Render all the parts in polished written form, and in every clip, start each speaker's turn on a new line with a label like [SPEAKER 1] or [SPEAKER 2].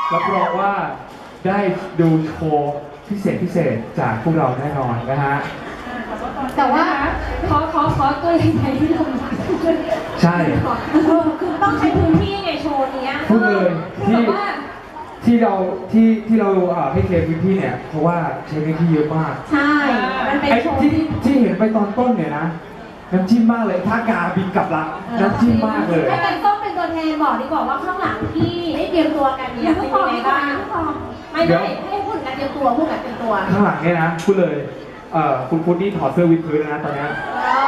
[SPEAKER 1] รับรองว่าได้ดูโชว์พิเศษจากพวกเราแน่นอนนะฮะ
[SPEAKER 2] แต่ว่าขอตัวใหญ่ที่ลง
[SPEAKER 1] ใช่
[SPEAKER 2] คือต้องใช้พื้นที่ไงโชว์นี้
[SPEAKER 1] พูดเลยที่เราให้เคลียร์พื้นที่เนี่ยเพราะว่าใช้พื้นที่เยอะมาก
[SPEAKER 2] ใช่มันเป็นโชว์
[SPEAKER 1] ที่เห็นไปตอนต้นเนี่ยนะน้ำจิ้มมากเลยถ้ากาบินกลับละน้ำจิ้มมากเลย
[SPEAKER 2] ให้กันต้องเป็นตัวแทนบอกดีกว่าว่าข้างหลังที่ได้เตรียมตัวกันเนี่ยเป็นยังไงบ้างไม่ให้พูดกันเตรียมตัวพูดกันเตรียมตัว
[SPEAKER 1] ข้างหลังเนี่ยนะพูดเลยคุณพุทธนี่ถอดเสื้อวิดพื้นนะตอนนี้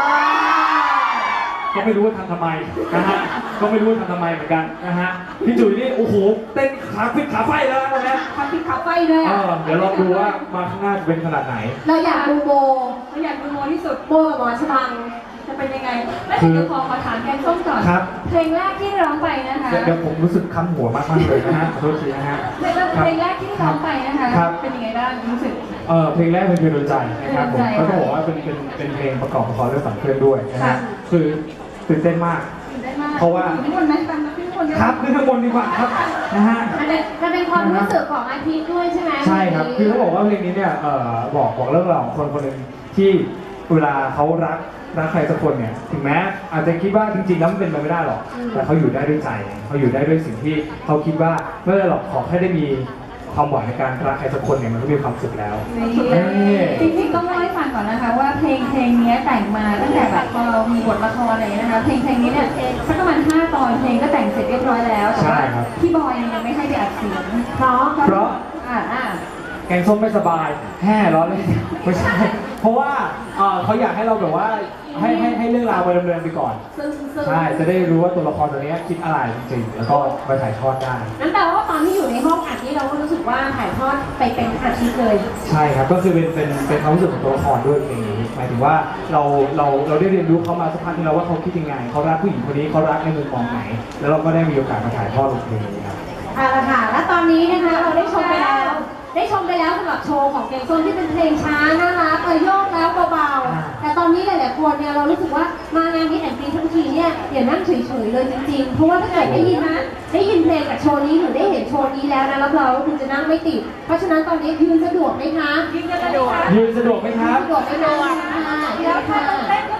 [SPEAKER 1] ก็ไม่รู้ว่าทำไมนะฮะก็ไม่รู้ว่าทำไมเหมือนกันนะฮะพี่จุ๋ยนี่โอ้โหเต้นขาฟิตขาไฟแล้วตอนนี้
[SPEAKER 2] ขาฟิตขาไฟเลย
[SPEAKER 1] เดี๋ยวลองดูว่ามาข้างหน้าจะเป็นขนาดไหน
[SPEAKER 2] เราอยากดูโบที่สุดโบกับหมอชบังจะเป็นยังไงแล้วเดี๋ยวขอถามแกงส้มก่อนเพลงแรกที่ร้องไปนะคะ
[SPEAKER 1] เดี๋ยวผมรู้สึกคันหัวมากเลยนะฮะขอโทษทีนะฮะ
[SPEAKER 2] เพลงแรกที่ร้องไปนะคะเป็นยังไงบ้างรู้สึก
[SPEAKER 1] เพลงแรกเป็นเพลงโดนใจนะครับผมก็ต้องบอกว่าเป็นเพลงประกอบละครเรื่องฝันเพื่อนด้วยนะฮะคือตื่นเต้นมากเพราะว่า
[SPEAKER 2] ขึ้นบนไหมฟังขึ้นบน
[SPEAKER 1] ครับขึ้นข้างบนดีกว่าครับนะฮะ
[SPEAKER 2] มันเป็นความรู้สึกของอาทิตย์ด้วยใช่ไหม
[SPEAKER 1] ใช่ครับคือเขาบอกว่าเพลงนี้เนี่ยบอกเรื่องราวของคนหนึ่งที่เวลาเขารักใครสักคนเนี่ยถึงแม้อาจจะคิดว่าจริงๆแล้วมันเป็นไปไม่ได้หรอกแต่เขาอยู่ได้ด้วยใจเขาอยู่ได้ด้วยสิ่งที่เขาคิดว่าไม่ได้หรอกขอแค่ได้มีความหวังในการรักใครสักคนเนี่ยมันก็มีความสุขแล้ว
[SPEAKER 2] จริงๆต้องเล่าให้ฟังก่อนนะคะว่าเพลงนี้แต่งมาตั้งแต่แบบพอเรามีบทละครอะไรนะคะเพลงนี้เนี่ยสักประมาณ5 ตอนเพลงก็แต่งเสร็จเรียบร้อยแล้วแต่ว่าพี่บอยยังไม่ให้ไปอัดเสียงเพราะ
[SPEAKER 1] แกงส้มไม่สบายแห่ร้อนเลยไม่ใช่เพราะว่าเขาอยากให้เราแบบว่าให้เรื่องราวไปดำเนินไปก่อนใช่จะได้รู้ว่าตัวละครตัวนี้คิดอะไรจริงๆแล้วก็ไปถ่ายทอดได้
[SPEAKER 2] นั่นแปลว่าตอนที่อยู่ในห้องอัดนี้เราก็รู้สึกว่าถ่ายทอดไปเป็นอาทิตย์เลย
[SPEAKER 1] ใช่ครับก็คือเป็นความรู้สึกของตัวละครด้วยเพลงนี้หมายถึงว่าเราได้เรียนรู้เขามาสักพักนึงแล้วว่าเขาคิดยังไงเขารักผู้หญิงคนนี้เขารักในมุมมองไหนแล้วเราก็ได้มีโอกาสมาถ่ายทอดบทเพลงนี้ครับ
[SPEAKER 2] ค่ะและตอนนี้นะคะเราได้ชมไปแล้วสำหรับโชว์ของแกงส้มที่เป็นเพลงช้าน่ารักโยกแล้วเบาๆแต่ตอนนี้หลายๆคนเนี่ยเรารู้สึกว่ามางานนี้แอนตี้ทั้งทีเนี่ยอย่านั่งเฉยๆเลยจริงๆเพราะว่าถ้าเกิดได้ยินเพลงกับโชว์นี้หรือได้เห็นโชว์นี้แล้วนะรับรองว่าคุณจะนั่งไม่ติดเพราะฉะนั้นตอนนี้ยืนสะดวกไหมคะ
[SPEAKER 1] ยืนสะดวกไหมครับ
[SPEAKER 2] สะดวกไหมคะ
[SPEAKER 3] แล้วถ้าเต้นก็